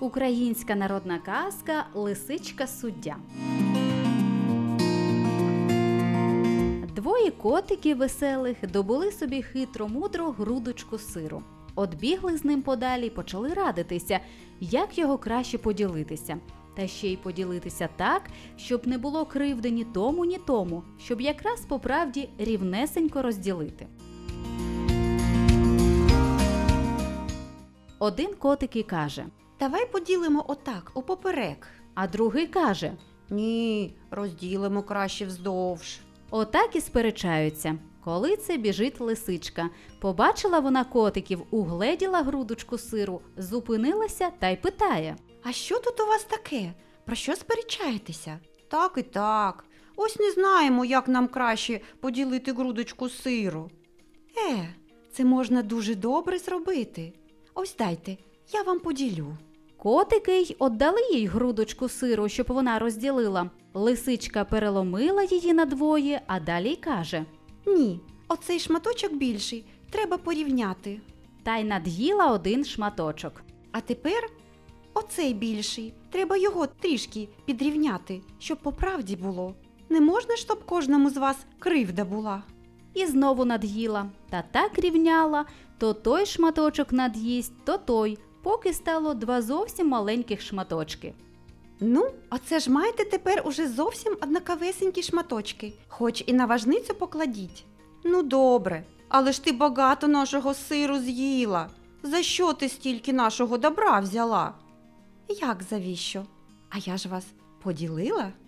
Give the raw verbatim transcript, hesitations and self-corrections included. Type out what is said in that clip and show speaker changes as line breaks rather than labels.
Українська народна казка «Лисичка-суддя». Двоє котиків веселих добули собі хитро-мудро грудочку сиру. От бігли з ним подалі й почали радитися, як його краще поділитися. Та ще й поділитися так, щоб не було кривди ні тому, ні тому, щоб якраз по правді рівнесенько розділити. Один котик і каже:
Давай поділимо отак, упоперек.
а другий каже:
Ні, розділимо краще вздовж.
отак і сперечаються. Коли це біжить лисичка. Побачила вона котиків, угледіла грудочку сиру, зупинилася та й питає:
А що тут у вас таке? Про що сперечаєтеся? Так і так. Ось не знаємо, як нам краще поділити грудочку сиру. Е, це можна дуже добре зробити. Ось дайте, я вам поділю.
Котики й отдали їй грудочку сиру, щоб вона розділила. Лисичка переломила її надвоє, а далі й каже:
Ні, оцей шматочок більший, треба порівняти.
та й над'їла один шматочок.
А тепер оцей більший, треба його трішки підрівняти, щоб по правді було. Не можна, щоб кожному з вас кривда була.
І знову над'їла, та так рівняла, то той шматочок над'їсть, то той, поки стало два зовсім маленьких шматочки.
Ну, оце ж маєте тепер уже зовсім однаковесенькі шматочки, хоч і на важницю покладіть. Ну добре, але ж ти багато нашого сиру з'їла. За що ти стільки нашого добра взяла? Як завіщо? А я ж вас поділила?